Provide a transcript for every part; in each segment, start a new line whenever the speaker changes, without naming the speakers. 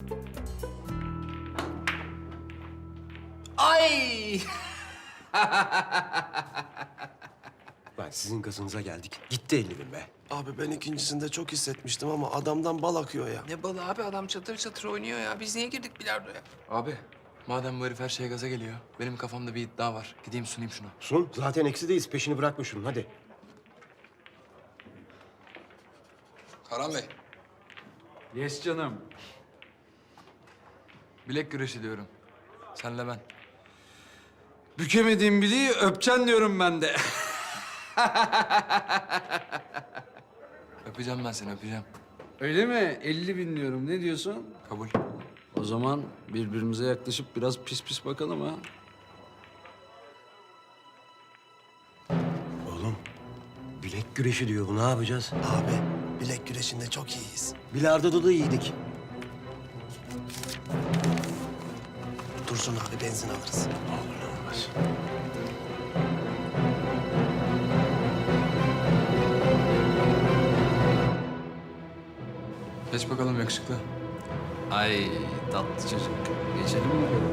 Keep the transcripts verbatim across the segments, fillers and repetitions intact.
Ay!
Lan sizin gazınıza geldik. Gitti elli bin be.
Abi ben ikincisinde çok hissetmiştim ama adamdan bal akıyor ya.
Ne balı abi, adam çatır çatır oynuyor ya. Biz niye girdik bilardoya?
Abi, madem bu herif her şeye gaza geliyor, benim kafamda bir iddia var. Gideyim sunayım şunu.
Sun, zaten eksideyiz. Peşini bırakma şunun, hadi.
Karan Bey,
Yes canım.
bilek güreşi diyorum. Senle ben.
Bükemediğim bileği öpeceksin diyorum ben de.
Öpeceğim ben seni, öpeceğim.
Öyle mi? elli bin diyorum. Ne diyorsun?
Kabul.
O zaman birbirimize yaklaşıp biraz pis pis bakalım ha.
Oğlum, bilek güreşi diyor. Bu ne yapacağız?
Abi bilek güreşinde çok iyiyiz.
Bilardo'da da iyiydik.
Dursun abi benzin alırız.
Olur olmaz.
Geç bakalım yakışıklı.
Ay tatlı çocuk. Geçelim mi bakalım?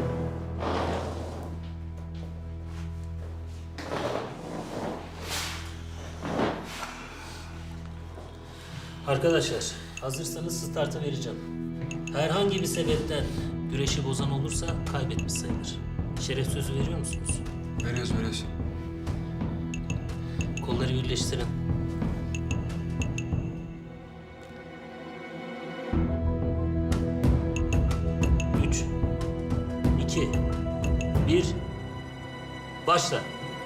Arkadaşlar, hazırsanız startı vereceğim. Herhangi bir sebepten güreşi bozan olursa kaybetmiş sayılır. Şeref sözü veriyor musunuz?
Veriyoruz, veriyoruz.
Kolları birleştirin. Üç, iki, bir, başla.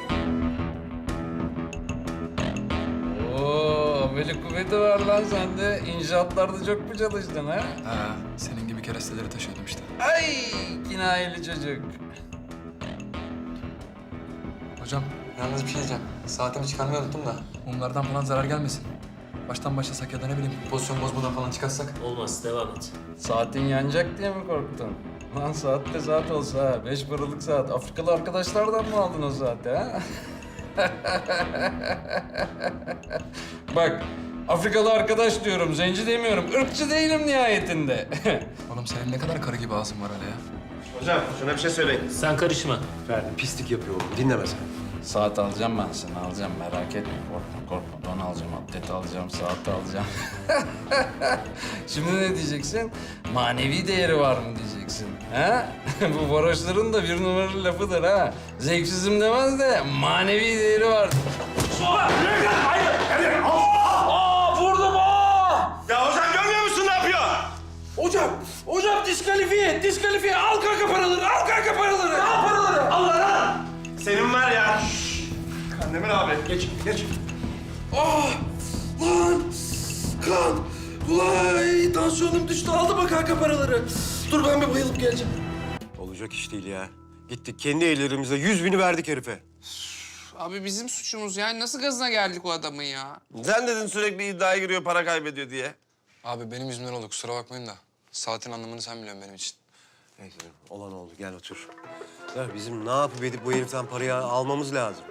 Oo, ameli kuvveti var lan sende. İnşaatlarda çok mu çalıştın ha?
Ha, senin gibi keresteleri taşıyordum işte.
Ay kinayeli çocuk.
Hocam, yalnız bir şey diyeceğim. Saatimi çıkarmayı unuttum da. Mumlardan falan zarar gelmesin. Baştan başlasak ya da ne bileyim, pozisyon bozmadan falan çıkarsak.
Olmaz, devam et.
Saatin yanacak diye mi korktun? Lan saat de saat olsa ha. Beş paralık saat. Afrikalı arkadaşlardan mı aldın o saati ha? Bak, Afrikalı arkadaş diyorum, zenci demiyorum. Irkçı değilim nihayetinde.
Oğlum senin ne kadar karı gibi ağzın var öyle ya.
Hocam şuna bir şey söyleyin.
Sen karışma.
Ferdi pislik yapıyor oğlum. Dinleme sen.
Saat alacağım ben sana, alacağım. Merak etme, korkma korkma. Don alacağım, atlet alacağım, saat alacağım. Şimdi ne diyeceksin? Manevi değeri var mı diyeceksin, ha? Bu varoşların da bir numaralı lafıdır ha. Zevksizim demez de manevi değeri var.
Ya hocam görmüyor musun ne yapıyor?
Hocam, hocam diskalifiye, diskalifiye. Al kanka paraları, al kanka paraları. Al paraları. Al lan.
Senin var ya. Kandemir abi. Geç geç.
Ah! Lan! Kan! Vay! Tansiyonum düştü. Aldı mı kanka paraları? Dur ben bir bayılıp geleceğim.
Olacak iş değil ya. Gittik kendi ellerimizle yüz bini verdik herife.
Abi bizim suçumuz yani. Nasıl gazına geldik o adamın ya?
Sen dedin sürekli iddiaya giriyor para kaybediyor diye.
Abi benim yüzümden oldu, kusura bakmayın da. Saatin anlamını sen biliyorsun benim için.
Neyse olan oldu gel otur. Ya bizim ne yapıp edip bu heriften parayı almamız lazım.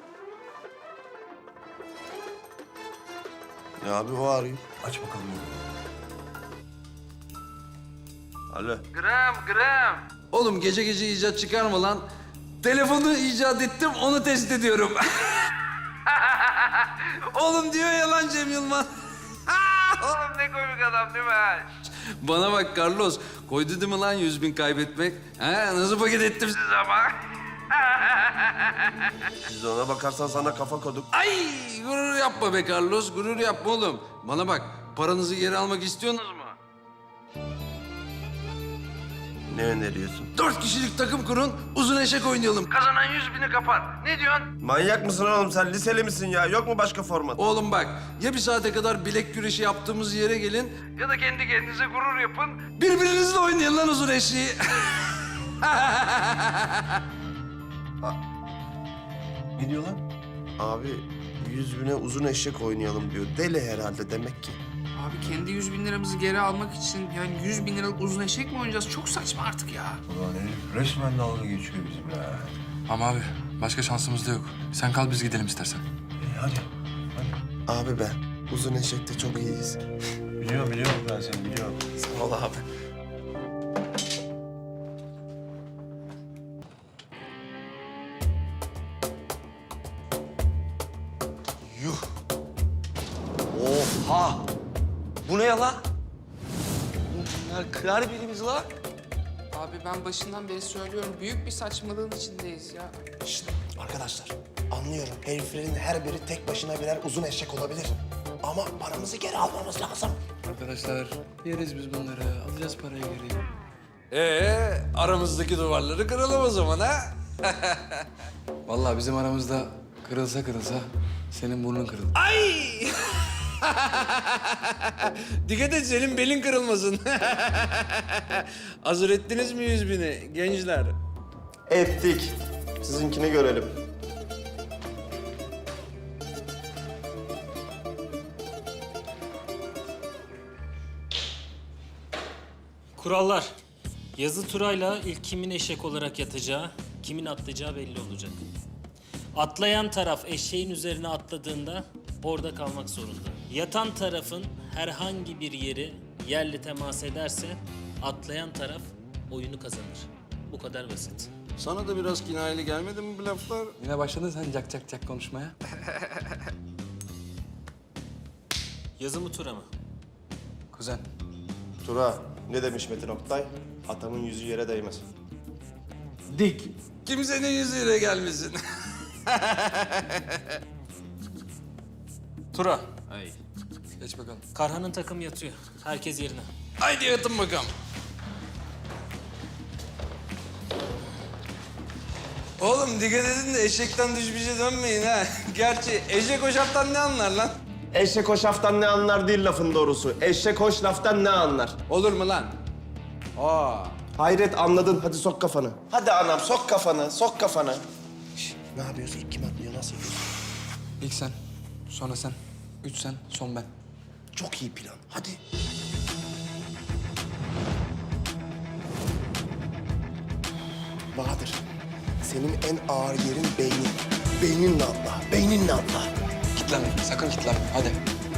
Ya abi o arıyor.
Aç bakalım.
Alo.
Gram, gram. Oğlum gece gece icat çıkarma lan. Telefonu icat ettim, onu test ediyorum. Oğlum diyor ya lan Cem Yılmaz. Oğlum ne komik adam değil mi? Bana bak Carlos, koydu değil mi lan yüz bin kaybetmek? Ha, nasıl paket ettim size ama?
Biz de ona bakarsan sana kafa koduk.
Ay gurur yapma be Carlos, gurur yapma oğlum. Bana bak, paranızı geri almak istiyorsunuz mu?
Ne öneriyorsun?
Dört kişilik takım kurun, uzun eşek oynayalım. Kazanan yüz bini kapar. Ne diyorsun?
Manyak mısın oğlum sen? Liseli misin ya? Yok mu başka format?
Oğlum bak, ya bir saate kadar bilek güreşi yaptığımız yere gelin... ...ya da kendi kendinize gurur yapın. Birbirinizle oynayın lan uzun eşeği.
Ne diyor lan?
Abi yüz bine uzun eşek oynayalım diyor. Deli herhalde demek ki.
Abi kendi yüz bin liramızı geri almak için yani yüz bin liralık uzun eşek mi oynayacağız? Çok saçma artık ya.
Ulan herif resmen dalga geçiyor bizimle.
Ama abi, başka şansımız da yok. Sen kal, biz gidelim istersen.
E, hadi. hadi.
Abi ben uzun eşekte çok iyiyiz.
Biliyorum biliyorum ben seni biliyorum.
Sağ ol abi.
Oha! Bu ne ya lan? Bunlar kırar birimiz lan.
Abi ben başından beri söylüyorum. Büyük bir saçmalığın içindeyiz ya.
Şşt, arkadaşlar anlıyorum. Heriflerin her biri tek başına birer uzun eşek olabilir. Ama paramızı geri almamız lazım.
Arkadaşlar yeriz biz bunları. Alacağız parayı geri.
Ee, aramızdaki duvarları kıralım o zaman ha?
Vallahi bizim aramızda kırılsa kırılsa senin burnun kırılır.
Ay! Dikkat et senin belin kırılmasın. Hazır ettiniz mi yüz bini gençler?
Ettik. Sizinkini görelim.
Kurallar. Yazı turayla ilk kimin eşek olarak yatacağı, kimin atlayacağı belli olacak. Atlayan taraf eşeğin üzerine atladığında orada kalmak zorunda. Yatan tarafın herhangi bir yeri yerle temas ederse atlayan taraf oyunu kazanır. Bu kadar basit.
Sana da biraz kinayeli gelmedi mi bu laflar?
Yine başladın sen cak cak cak konuşmaya.
Yazı mı tura mı?
Kuzen.
Tura, ne demiş Metin Oktay? Atamın yüzü yere değmez.
Dik. Kimsenin yüzüyle gelmesin.
Tura.
Ay.
Geç bakalım.
Karhan'ın takım yatıyor. Herkes yerine.
Haydi yatın bakalım. Oğlum dikkat edin de eşekten düşmüşe dönmeyin ha. Gerçi eşek o şaptan ne anlar lan?
Eşek hoş laftan ne anlar değil lafın doğrusu. Eşek hoş laftan ne anlar?
Olur mu lan? Aa.
Hayret anladın. Hadi sok kafanı. Hadi anam sok kafanı, sok kafanı. Şişt, ne yapıyorsun? Kim atlıyor? Nasıl yapıyorsun?
İlk sen, sonra sen, üç sen, son ben.
Çok iyi plan. Hadi. Bahadır, senin en ağır yerin beynin. Beyninle atla, beyninle atla.
Kitlenme, sakın kitlenme. Hadi.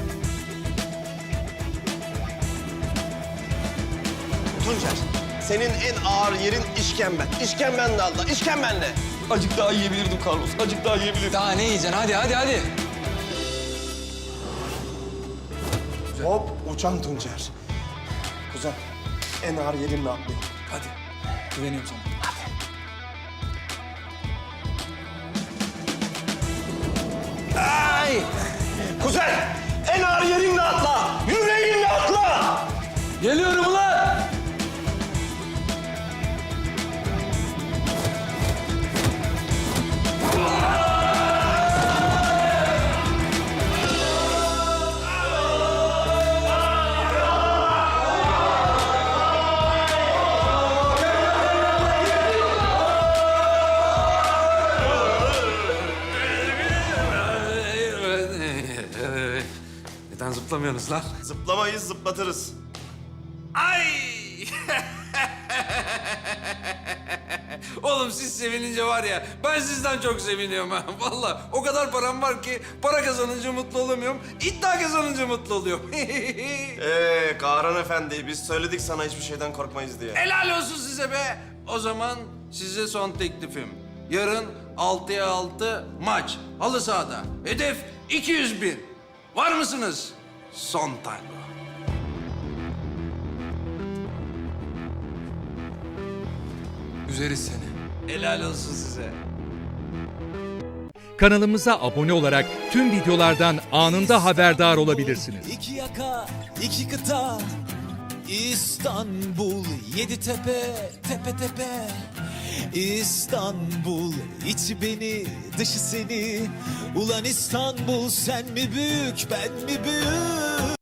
Tuncer, senin en ağır yerin işkemben. İşkembenle atla, işkembenle.
Acık daha yiyebilirdim Carlos. Acık daha yiyebilirdim.
Daha ne yiyeceksin? Hadi, hadi, hadi.
Hop, uçan Tuncer. Kuzen, en ağır yerinle atlayın.
Hadi. Güveniyorum sana.
Ay! Kuzen, en ağır yerinle atla. Yüreğinle atla.
Geliyorum ulan! Neden zıplamıyorsunuz lan?
Zıplamayız, zıplatırız.
Ay! Oğlum siz sevinince var ya, ben sizden çok seviniyorum ha. Vallahi o kadar param var ki para kazanınca mutlu olamıyorum, iddia kazanınca mutlu oluyorum.
Ee, Kahraman Efendi, biz söyledik sana hiçbir şeyden korkmayız diye.
Helal olsun size be. O zaman size son teklifim. Yarın altıya altı maç, halı sahada. Hedef iki yüz bin. Var mısınız? Son tango.
Üzeriz seni.
Helal olsun size.
Kanalımıza abone olarak tüm videolardan anında haberdar olabilirsiniz.
İki yaka, iki kıta, İstanbul, yedi tepe, tepe tepe. İstanbul, içi beni, dışı seni. Ulan İstanbul, sen mi büyük, ben mi büyük?